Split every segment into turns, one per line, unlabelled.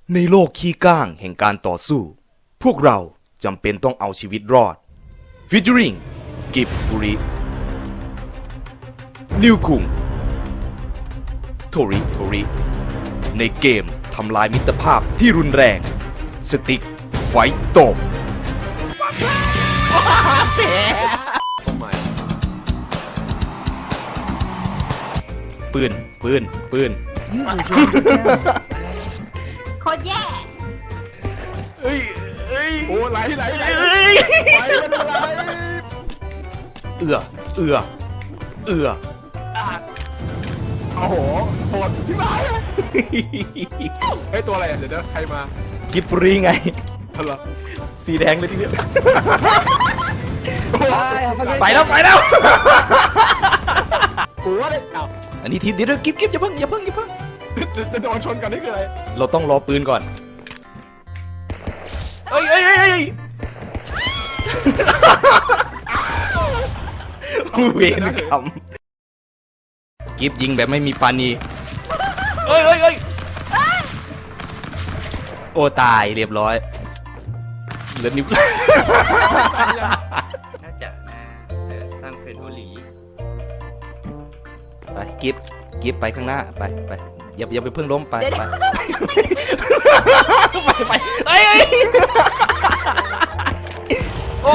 ในโลกขี้ก้างแห่งการต่อสู้พวกเราจำเป็นต้องเอาชีวิตรอดฟิชริงกิบบุรินิวคุงโทริในเกมทำลายมิตรภาพที่รุนแรงสติ๊กไฟโตบปืน
User joined your channel.
โคตรแย่
เอ้ย
โอ้ไหลไปไม่เป็นไร
เอือ
โอ้โหโหดที่ร้ายเฮ้ยตัวอะไรอ่ะเดี๋ยวใครมา
กิบบุรีไง
อะไร
สีแดงเลยทีเดียว
Bye, have a great
ไปแล้ว
กูว่าเลยอ้าว
อันนี้ทีเดียวกิบอย่าเพิ่ง
จะโดนชนกันนี่คืออะไร
เราต้องรอปืนก่อนเอ้ยเวรกรรมกิฟยิงแบบไม่มีปานีเอ้ยโอ้ตายเรียบร้อยเหลือนิ้ว
น่าจะตั้งเป็นบุหรี่
ไปกิฟไปข้างหน้าไปอย่าไปเพิ่งล้มไปเอ้ยโอ้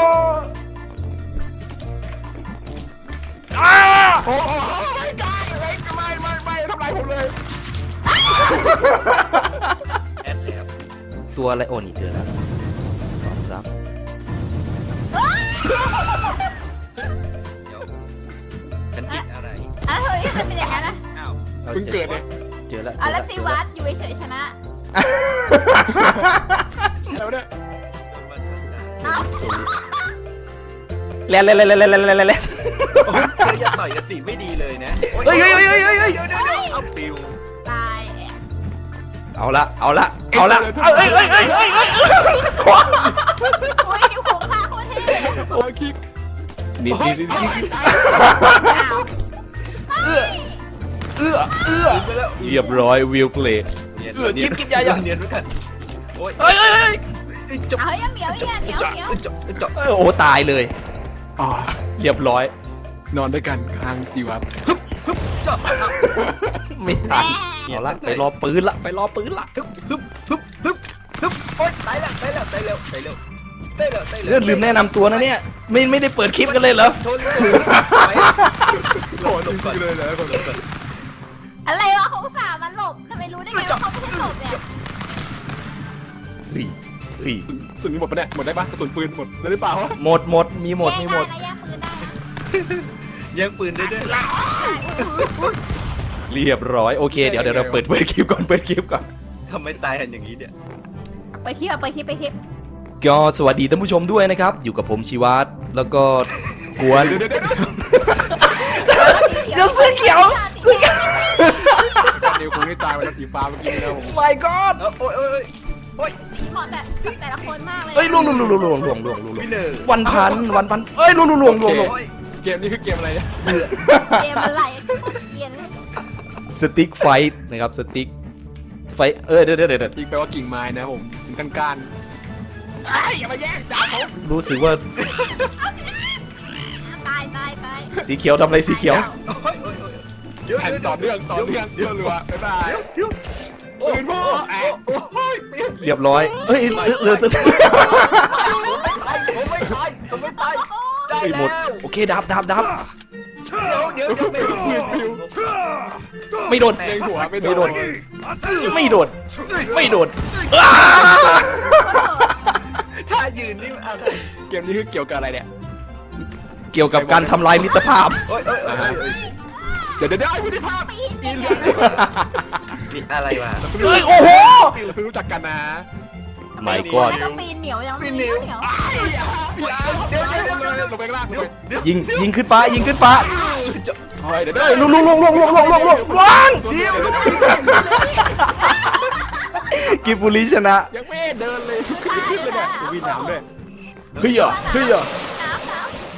โอ้โหไม่ได้ไม่ทำลายผมเลย
แอดเลยครับ
ตัวอะไรโอ้นี่เจอแล้วครับ
เดี๋ยวฉันติดอะไร
เฮ้ยมันเป็นอย่างนั้นนะ
อ้าว
เพิ่งเกิดเนี่ย
เจอแล้ว
แล้วซีวัตอยู่เฉยๆชนะ
แล้วเนี่ย
โดนวันทันได้
เอ้า
แล่
เธออย่าต่อยกันติไม่ดีเลยนะ
เฮ้ย
เดี๋ยวเอาปิว
ตาย
เอาละเอ้ย
โอ้ยนิ้วโค้งฆ่าโคตรเท่
โอ้คิก
นี่
อ้าวเฮ้ย
ไปแล้ว
เรียบร้อยวิวเพลย์
เนียน
กิ๊บอย่า
เนียนไว้กันโอ้ย
เอ้ย
จบ
เฮ้ยเหมียวเนี่ยเหมียว
จบ
โอ้ตายเลย
อ๋อ
เรียบร้อย
นอนด้วยกันกลางจีวัด
จบ
ไม่ทันเอาละไปรอปืนละ
โอ๊ยตายแล้ว
เรื่องลืมแนะนำตัวนะเนี่ยไม่ได้เปิดคลิปกันเลยเหรอ
ชนโหดจริงเลยนะ
อะไรวะเขาอุตส่าห์มันหลบทำไมรู้ได้ไงว่าเขาไม่ใช่หลบเนี่ย
เฮ้ย
กระสุนหมดปะเนี่ยหมดได้ปะกระสุนปืนหมดได้หรือเปล่า
หมดมีหมด
แย่งปืนได้
ยังปืนได้ด้วย
เรียบร้อยโอเคเดี๋ยวเราเปิดคลิปก่อน
ทำไมตายกันอย่างนี้เนี่ย
ไปคลิป
ก็สวัสดีท่านผู้ชมด้วยนะครับ อยู่กับผมชีวัตแล้วก็กวน เดี๋ยวเสื้อเขียว
นิวคงได้ตายวันสีฟ้าเมื่อกี้นะผม
my god
โอ้ย
สีเหมาะแต่ละคนมากเลย
เอ้ยล่วง
วินเนอร์
วันพันเอ้ยล่วง
เกมนี้คือเกมอะไรเนี่ย
เกมอะไรเกียน
สติ๊กไฟท์นะครับสติ๊กไฟเดี๋ยว
อีกแปลว่ากิ่งไม้นะผมเป็นก้านอย่ามาแย่งจ้าเขา
รู้สึกว่า
ตาย
สีเขียวทำอะไรสีเขียว
แผ่นต่อเนื่องรัวบ๊ายบายปืนพ่อ
เรียบร้อยเอ้ยเรือ
ผมไม่ตายได้แล้ว
หมดโอเคดับ
เดี๋ยว
ไม่โดน
เล็งหัวไม่โดน
ถ้ายืนนี่อะไร
เกมนี้คือเกี่ยวกับอะไรเนี่ย
เกี่ยวกับการทำลายมิตรภาพ
โอ้ย
เดี๋ยวไม่ได้ภาพ
ปีนเนี่ย
นี่อะไรวะ
เอ้ยโอ้โห
รู้จักกันนะ
my god
ไม่ต้องปีนเหนียวยัง
ปีนเหนียว
เดี๋ยวลงไปข้างล่างเลย
ยิงขึ้นฟ้า
เดี๋ยว
ล่วงกิบบุรีชนะ
ยังไม่เดินเลยขึ้นเลยเนี่ยวิ่งน้ำด้วย
เฮ้ย
น้ำ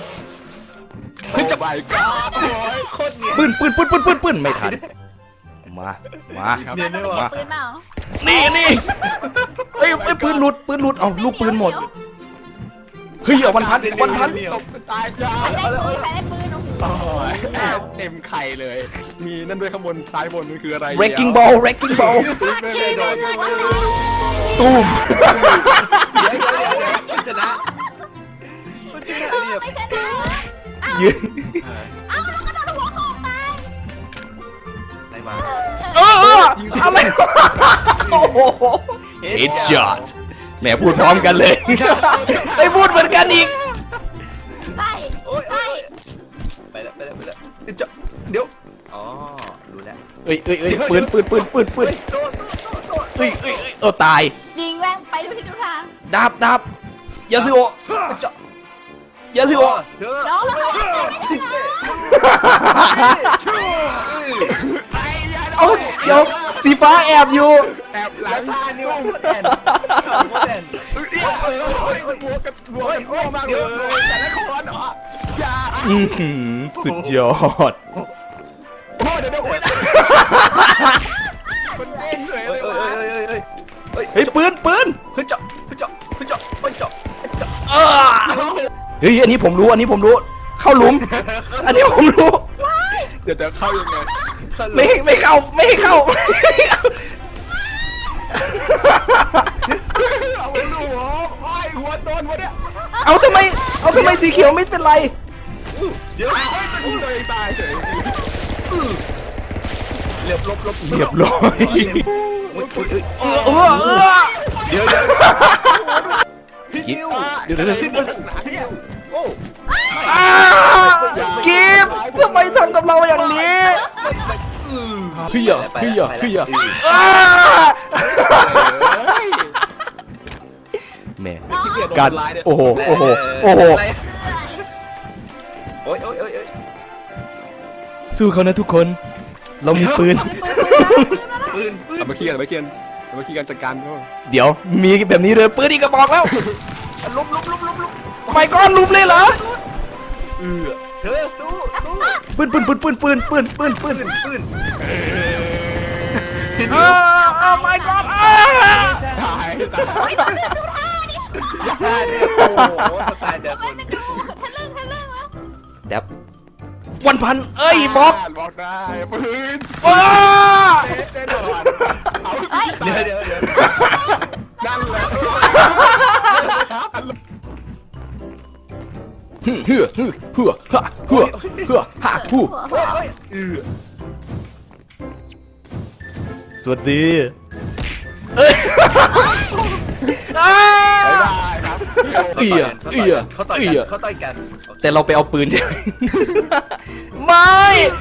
เฮ้ยจะไปก็โอ้ยโคตรเนียน
ปืนไม่ทันมา มา
มาต้องไปเก็บปืนเปล่า
นี่เฮ้ยปืนหลุดเอาลูกปืนหมด เฮ้ยเอาวันพัน
ตกตายจ้า
ใครได้ปืนโอ้โห
โอ้ยแอบเต็มไข่เลย มีนั่นด้วยข้างบนซ้ายบนมันคืออะไร
wrecking ball wrecking ball
ขี่เรือเรือวันนี้
ตูม
ชนะ
ไม่ชนะ
ยืน
เอ้าแล้วก็โดนหัวของตาย
ไหนมา
อะไรโอ้โห headshot แหมพูดพร้อมกันเลย ได้พูดเหมือนกันอีก
ไปไป
ไปแล้วเดี๋ยวอ๋อรู้แล้ว
เอ้ยปืนตาย
ยิงแม่งไปดูที่ดูทาง
ดาบยาซิโอะยาซิโอะ
เธอ
น้องแล้วเขาไม่ชนะ
เอ้าเดี๋ยวสีฟ้าแอบอยู่
แอบหลัง
ท่านี่มันแอน
บัวกันมากเลยแต่ละคนเหรออย่า
สุดยอด
โอ้เดี๋ยวมันเล่นเลย
เฮ้ยปืน
เฮ้ยเจาะ
เฮ้ยอันนี้ผมรู้ เข้าหลุม อันนี้ผมรู้
เดี๋ยวเข้ายังไง
ไม่เข้า
เอาลูกหัวโดนวะเนี่ย
เอาทำไมสีเขียวไม่เป็นไร
เดี๋ยว
ตัวเองตายเฉย
เรียบลบ
เรียบร้อย
เดี๋ยว
พี่นิว
เดี๋ยวโอ้
กิฟทำไมทำกับเราอย่างนี้เฮียแม่การโอ้โห
โอ้ย
สู้เขานะทุกคน เรามีปืน
ปืน
เอามาเคลียร์กันจัดการก็
เดี๋ยวมีแบบนี้เลยปืนอีกกระบอกแล้ว
ลุม
ไปก้อนลุมเลยเหรอ
เธอสู้
ปืน ไม่ก้อน
ตาย
ท่านี่โอ้โหตายเดี๋ยวคน
ทะลึ่งวะ
แดบวันพันเอ้ยบอก
บอกได้ปืน
ว้า
แน่นอนเอา
เดี๋ยว
นั่นแหละ
เฮือฮะฮู้สวัสดีเอ้ย
บ๊ายบายครับ
เขาต่อยกัน
แต่เราไปเอาปืนใช่ไหมไม่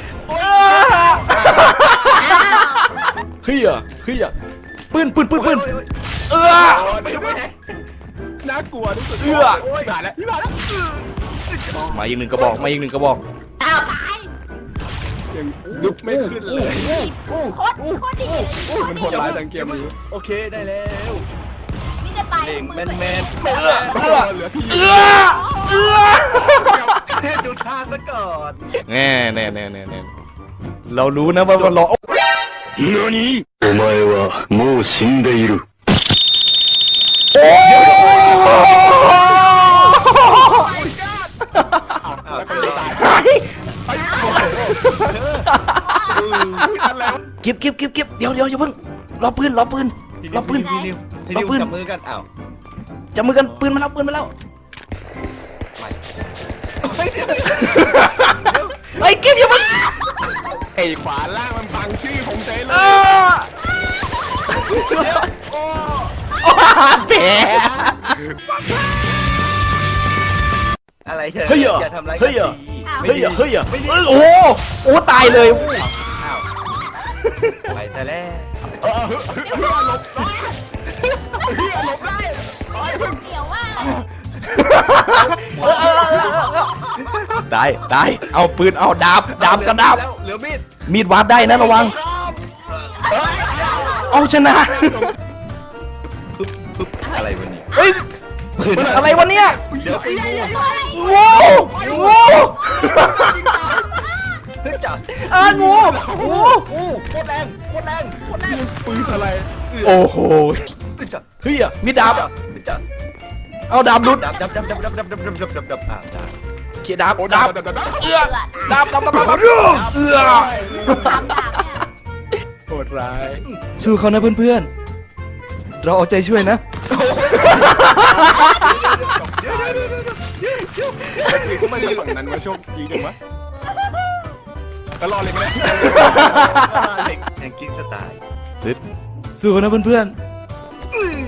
เฮียปืน
น่ากลัวที่สุดผ่านแล้ว
มาอีกหนึ่งกระบอก
อ้าวตาย
ยังลุกไม่ขึ้นเลย
โคตรดี
มันโหดร้ายจังเกมนี้
โอเคได้แล้ว
นี่จะตาย
เล่งแมน
เหลือพี่
ดูทางซะก่อน
แน่เรารู้นะว่าเรา
何お前はもう死んでいる。
แล้วก็ตาย
เก็บเดี๋ยวอย่าเพิ่งรอปืน
นิวจับมือกันอ้าว
จับมือกันปืนมาแล้วไอ้เก็บอย่าเพิ่ง
ไอ้ขวาล่างมันบังชื่อผมเฉยเลย
แผล
อะไรเธอ
เฮ้ย
อย่าทำร้ายกันดี
โอ้ตายเลย
อ้าวไปแต่แล้ว
เดี๋ยวว่า
ได้เอาปืนเอาดาบกับดาบ
เหลือมีด
มีดวาดได้นะระวังเอาชนะ
อะไรวันนี้
เฮ้ยอะไรวะเนี่ย
เดี๋ยวไปดู
โว้
เฮ้ยจจ้ะ
งูงู
โคตรแรงโคตรแรงโคตรแรง
ปืนอะไร
โอ้โห
จ้ะ
เฮียมีดาบ
จ้ะ
เอาดาบดุด
ดับได้
เขียดาบ
โอ้
ดาบ
ดับ
เอื้อดาบเอื้อ
ตามดาบเนี่ย
โหดร้าย
สู้เขานะเพื่อนๆ เราเอาใจช่วยนะ
ไม่ได้ฝั่งนั้นมาโชคดีจังวะแล้วรอเลยก็ได้
เล็กแองกิ้งสไตล์
สู้เขานะเพื่อน